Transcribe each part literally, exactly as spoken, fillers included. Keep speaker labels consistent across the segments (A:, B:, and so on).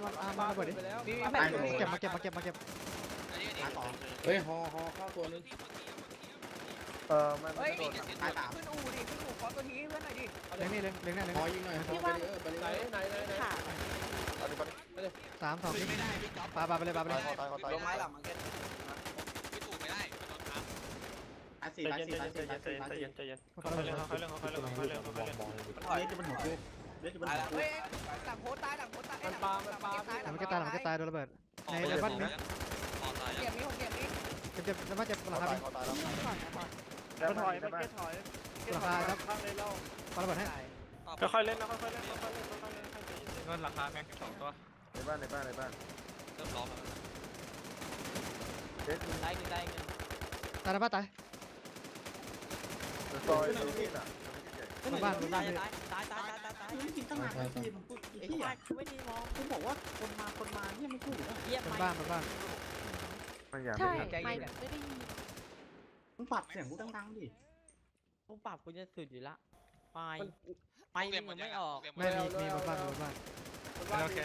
A: มาระเบิดดิเก็บมาเก็บมาเก็บมาเก็บ
B: เฮ้ยฮอฮอเข้าตัวนึง
C: เออมันโดนตายสาม
D: ขึ้นอู่ดิขึ้นอู่ขอตัวทีเพื่อนหน่อยดิ
A: เลี้ยงนี่เลี้ยงเลี้ยงนี่เลี้ยง
B: ฮอยิงหน่อยฮอไปเลยไปเลยไหนไหนไหน
E: ขาด
A: สามสองปาปาไปเลยปาไปเลย
D: ลงไม้หลังมันแค่
F: ไม่ถูกไม่ได้โดนทับ
B: ตายสี่ตายสี่ตายสี่ตายสี่ตายสี่
C: ใจเย็นค่อยๆเล่นค่อยๆเล่นค่อยๆเล่นค่อยๆเล่นค่อยๆเล่น
D: ถอย
B: เล็กจะเป็นหัวกูเล็กจะเป็น
D: ตาย
B: หัว
D: แล้ว
B: กู
D: เฮ้ยหลังโพสตายหลังโพสตาย
C: มันปามันปา
A: หลังมันก็ตายหลังมันก็ตายโดนระเบิดในในบ้านนี้
F: ต่อตาย
D: เก็บนี้ผมเก็บนี้
A: เจ็บเจ็บในบ้านเจ็บหลังคา
C: มันถอยมันแค่ถอยข้างเลยเล่า
A: ปาระเบิดให้
C: ค่อยๆเล่นนะค่อยๆเล่นค่อยๆเล่นค่อยๆเล่นเงินราคาแม็กสองตัว
G: ในบ้านในบ้านในบ้าน
F: เริ่มล้อม
G: เด็ด
D: ตายหนึ่งตายหนึ่ง
A: ตายในบ้านตาย
G: ซอยตรงนี้น่ะ
A: ในบ้าน
D: ตายตายตายตายตายตาย
B: ไม่กินตั้งนานพี่มันพูด
D: ไอ้
B: ที่
D: ที่
B: อ่ะ
D: ไม่ได้มอง
B: ผมบอกว่าคนมาคนมาเนี่ยไม่พูดนะ
D: เยี่ยม
A: เป็น
D: ไหม
A: บ้านเป็นบ้าน
G: มันอยาก
E: ใช่
G: ไม่ทัน
E: ไม่ไม่ได้ยิน
B: มึงปรับเสียงกูดังๆดิ
D: กูปรับกูจะสุดอยู่ละไปไปมันไม่ออก
A: ไม่มีมีบนบ้านบนบ้าน
C: โอเค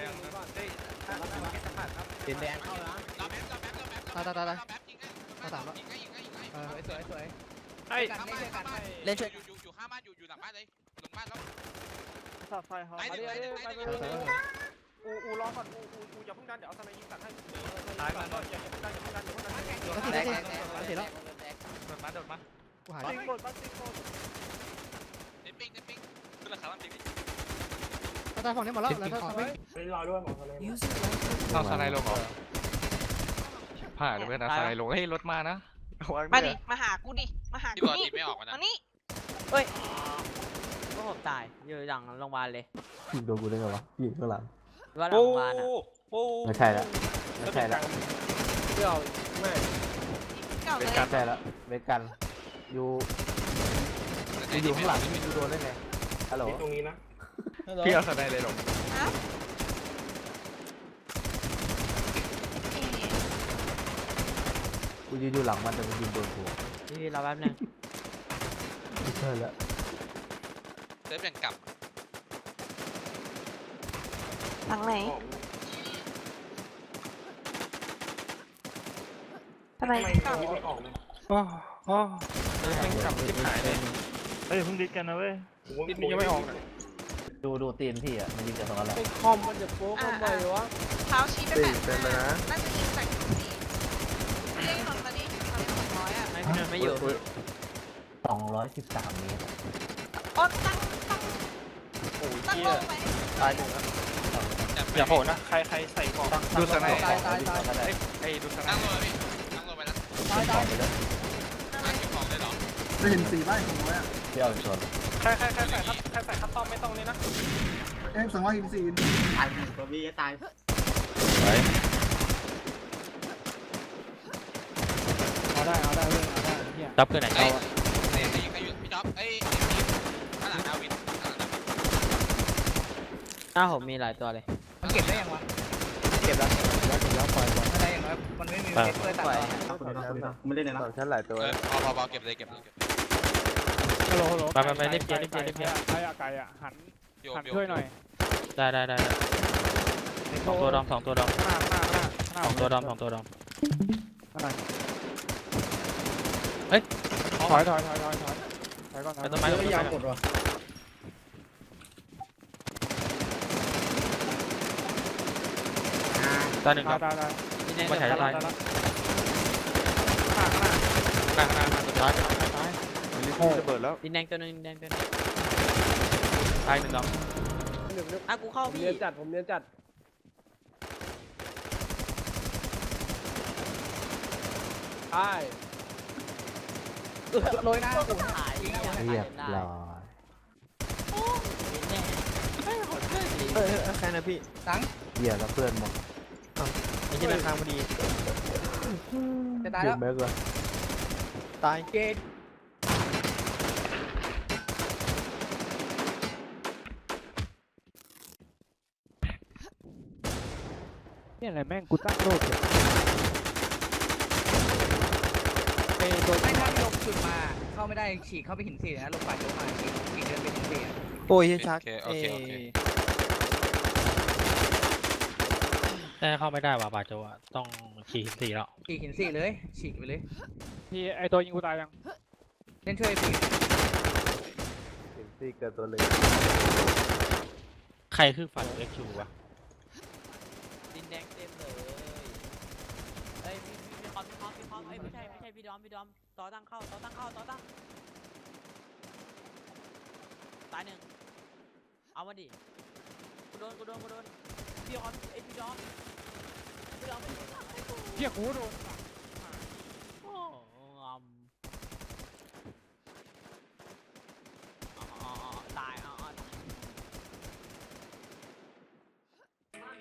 B: เปลี่ยนแดงเข้านะ
F: รับแม็กรับแม็กรับแม็ก
A: ตายตายตายตาย
F: รับแม็กยิงให้ยิงให้ยิงให้ยิงให้
A: เออ
D: สวยสวย
C: ไอ้
D: กันเล่นกัน
F: เล่นช่วยอยู่อยู่ข้างบ้านอยู่อยู่หลังบ้านเลยลงบ้านแล้ว
C: สับไฟฮอ
F: ไป
C: ไป
F: เดี๋ยว
C: ไป
F: ไป
C: ไป
F: เดี๋ยว
C: ไป
F: ไป
C: ไป
F: เดี๋ยว
C: อูอูรอก่อนอูอูอูอย่าเพิ่งดันเดี๋ยวเอาสไนยิงตัดให้ตายก่อนอย่าเพิ่งดันอย่าเพิ่งดันอย่าเพิ่งดัน
A: แล้วสี่แล้วสี่แล้วสี่แล้ว
C: โดดมาโดดมา
A: กูหาย
C: ซิงโกดซิงโกด
F: เน็ตปิ้งเน็ตปิ้งขึ้นราคามันปิ้ง
A: ตายฝั่งนี้หมดแล้วแล้วถ้าไม่
C: รอด้วยหมอทะเล
H: เอาสไลด์ลงเหรอผ่านเพื่อนเอาสไลด์ลงเฮ้ยรถมานะ
E: มาดิมาหากูดิมาหา
F: ที่
E: กู
F: บอล
E: นี่
F: ตีไม่ออกนะ
E: มานี่
D: ก็ผมตายอยู่หลังโรงพยาบาลเลย
G: ยิงโดนกูได้ไงวะยิงข้างหลัง
D: ว่าหลังโรงพยาบาลอ่ะ
C: โอ้
G: ไม่ใช่ละไม่ใช่ละ
C: เดี๋ยวแม่
E: เก่าเลย
G: ไม่ใช่ละเวกันอยู่อยู่ข้างหลังยิงโดนได้ไงฮัลโหล
C: ตรงนี้นะ
H: พี่เอาสไลด์เลยลง
E: ฮะ
G: กูยืนอยู่หลังมันแต่มันยิงโดนหัว
D: พี่เราแป๊บนึง
G: ไม่ใช่ละ
F: เซิร์ฟแบ่งกลับ
E: หลังไหนทำไมเก่า
C: โอ้โหยังกลับที่หายเลยเฮ้ยเพิ่งดิสกันนะเว้ยดิสนี่ยังไม่ออก
G: ดูดูตีนพี่อ่ะมันยิงจากตรงนั้นแหละ
C: คอมมันจะโป๊กทำไมวะ
E: เท้าชี้ไปแปดน่าจะยิงจากสี่เรียกหน่อยตอนนี้ตอนนี้สองร้อยอ่ะ
D: ไม่พี่นนท์ไม่อยู่
G: สองร้อยสิบสามเมตร
E: โอ้ตั้งตั้ง
C: โอ้ย
E: ตั้ง
C: เหี้
E: ล
C: ย
E: งไป
C: ตายหนึ่งแล้วอย่าโหดนะใครใครใส่ของ
H: ดูสไลด์
G: ตายตายตายตาย
H: ไอ้ดูสไล
F: นั่ง
H: ด์
F: ลงเลยพี่นั่งลงไปแล้ว
G: ตายตายไปแล้ว
F: นั่งเก็บของเลยเหรอ
B: จะเห็นสีบ้านของไว้อะ
G: พี่เอาอีกส่วน
C: ใครใครใครใส่ครับใครใส่คัตตอมไม่ต้องเลยนะ
B: เอ็มสองร้อยยี่สิบสี่ตายหนึ่งตัวบีตาย
A: เอาได้เอาได้เว้ยเอาได้เฮีย
D: จับเกินไหน
F: เอ้
D: เจ้าย
F: เอ้ยยิงใครอยู่พี่จ๊อบเอ้ยข้างหลังดาวินข้างหลังดาวิน
D: หน้าผมมีหลายตัวเลย
A: มันเก็บได้ยังวะ
D: เก็บแล้ว
A: แล้วถึงแล้วปล่อยก่อน
D: อะไรอย่างน้อยมันไม่มีเพชรเลยตัด
B: ไม่ได้เลยนะ
G: สองชั้นหลายตัว
F: เออพอพอพอเก็บเลยเก็บเลยเก็บ
A: ฮัลโหลฮัลโหล
D: ไปไปไปรีบเกียร์รีบเกียร์รีบเกียร์
C: ใครอะไก่อะหัน
F: โย
C: หัน
F: โย
C: ช่วยหน่อย
D: ได้ได้ได้สองตัวดอมสองตัวดอม
C: หน้าหน้าหน้าหน้า
D: สองตัวดอมสองตัวดอม
C: ถอยถอยถอยถอยถอยถอยก่อน
D: ไปต้นไม้ต้นไม้
B: ยาวกดว่ะ
D: ตัวหนึ่ง
C: ตา
D: ดอย ม
C: ตายตาย
D: นี่แน่
C: มา
D: จะ
C: ถ่าย
D: ตาย
C: ตายหน้าหน้า
H: หน้าหน้าหน้าสุดท้ายมันรีบระเบิดแล้ว
D: ดินแดงตัวหนึงดินแดงตัวหนึง
H: ตายหนึ่งดอก
D: อ่ะกูเข้าพี่
C: เรียนจัดผมเรียนจัดใช่
D: โรยหน้ากูหาย
G: เรียบร้อย
D: ดินแดง
A: เออใครนะพี่
G: เหี้ยแล้วเพื่อนหมด
A: ไอ้ที่ราคาพอดี
D: จะตาย
G: เก็
D: แล้
G: บ
D: ว
G: แม็กเลย
A: ตายเกตเนี่ยอะไรแม่งกูตั้งโลกเลยเอ้ตัว
D: ไม่ถ้าลงจุดมาเข้าไม่ได้ฉีกเข้าไปหินสี่นะลงป่าโยมาฉีกฉีกเดินไปหินสี่
A: โอ้ยชัก
F: โอเคโอเคโอเค
I: แต่เข้าไม่ได้ว่ะบาโจอ่ะต้องขี่หินสี่แล้ว
A: ฉีกหินสี่เลยฉีกไปเลย
C: พี่ไอตัวยิงกูตายยัง
A: เล่นช่วยพี่
G: สิบสี่เกิดตัวเลย
I: ใครคือฝันเอ็กชูวะ
D: ดินแดงเต็มเลยเอ้ยมีมีมีคอมมีคอมมีคอมเอ้ยไม่ใช่ไม่ใช่พี่ดอมพี่ดอมต่อตั้งเข้าต่อตั้งเข้าต่อตั้งตายหนึ่งเอามาดิกูโดนกูโดนกูโดนพี่คอมเอ้ยพี่ดอมพี่ดอมไม่ได้
C: เฮียกูโดน